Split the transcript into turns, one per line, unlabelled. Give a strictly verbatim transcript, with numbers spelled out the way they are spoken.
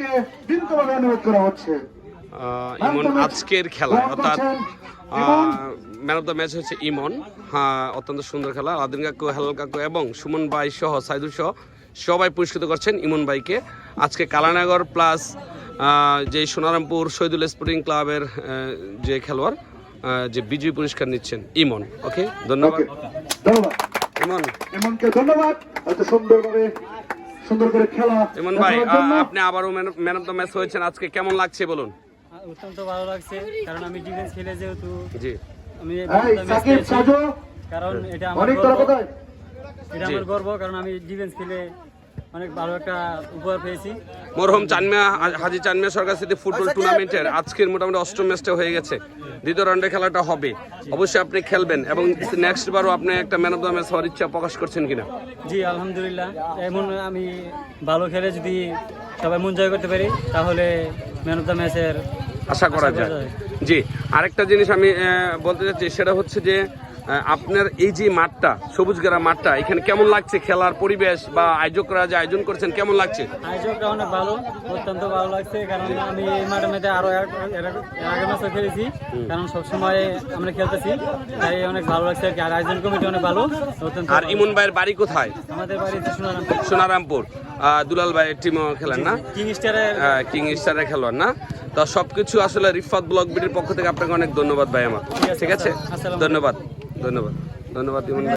ভাইকে বিনীতভাবে অনুরোধ করা হচ্ছে।
ইমন আজকের খেলা অর্থাৎ ম্যান অফ দ্য ম্যাচ হচ্ছে ইমন। হ্যাঁ, অত্যন্ত সুন্দর খেলা। আদিন কাকু, হেলাল কাকু এবং সুমন ভাই সহ সাইদুল সহ সবাই পুরস্কৃত করছেন ইমন ভাইকে। আজকে কালানগর প্লাস যে সোনারামপুর শহীদুল স্পোর্টিং ক্লাবের যে খেলোয়াড় যে বিজয়ী পুরস্কার নিচ্ছেন ইমন। ওকে, ধন্যবাদ ইমন।
ইমনকে ধন্যবাদ এত সুন্দরভাবে সুন্দর করে খেলা।
ইমন ভাই, আপনি আবারও ম্যান অফ দ্য ম্যাচ হয়েছেন, আজকে কেমন লাগছে বলুন?
অত্যন্ত ভালো লাগছে, কারণ আমি ডিফেন্স খেলে যেহেতু
জি
আমি
সাকিব সাজো,
কারণ এটা আমার
অনেক
গর্ব,
কথা
এটা আমার গর্ব, কারণ আমি ডিফেন্স খেলে অনেক ভালো একটা উপহার পেয়েছি।
মরহুম চানমিয়া হাজী চানমিয়া সরকার স্মৃতি ফুটবল টুর্নামেন্টের আজকের মোটামুটি অষ্টম ম্যাচটা হয়ে গেছে। দ্বিতীয় রাউন্ডে খেলাটা হবে, অবশ্যই আপনি খেলবেন এবং নেক্সট বারও আপনি একটা ম্যান অফ দ্য ম্যাচ হওয়ার ইচ্ছা প্রকাশ করছেন কিনা?
জি আলহামদুলিল্লাহ, এমন আমি ভালো খেলে যদি সবাই মন জয় করতে পারি তাহলে ম্যান অফ দ্য ম্যাচের
আশা করা যায়। জি, আরেকটা জিনিস আমি বলতে চাচ্ছি, সেটা হচ্ছে যে আপনার এই যে মাঠটা, সবুজগেরা মাঠটা, এখানে কেমন লাগছে? খেলার পরিবেশ বা আয়োজকরা যে আয়োজন করছেন কেমন লাগছে?
আয়োজকটা অনেক ভালো, অত্যন্ত ভালো লাগছে, কারণ আমি এই মাঠের মধ্যে আরো এর আগে ম্যাচও খেলেছি, কারণ সবসময় আমরা খেলতেছি, তাই অনেক ভালো লাগছে আর কি। আর আয়োজন কমিটি অনেক ভালো।
আর ইমন ভাইয়ের বাড়ি কোথায়?
আমাদের বাড়ি সোনারামপুর।
সোনারামপুর দুলাল ভাইয়ের টিমও খেলেন না?
কিং স্টারের
কিং স্টারের খেলোয়াড় না? তো সবকিছু আসলে রিফাত ব্লগ বিডির পক্ষ থেকে আপনাকে অনেক ধন্যবাদ ভাই আমার। ঠিক আছে, ধন্যবাদ ধন্যবাদ ধন্যবাদ ইমন।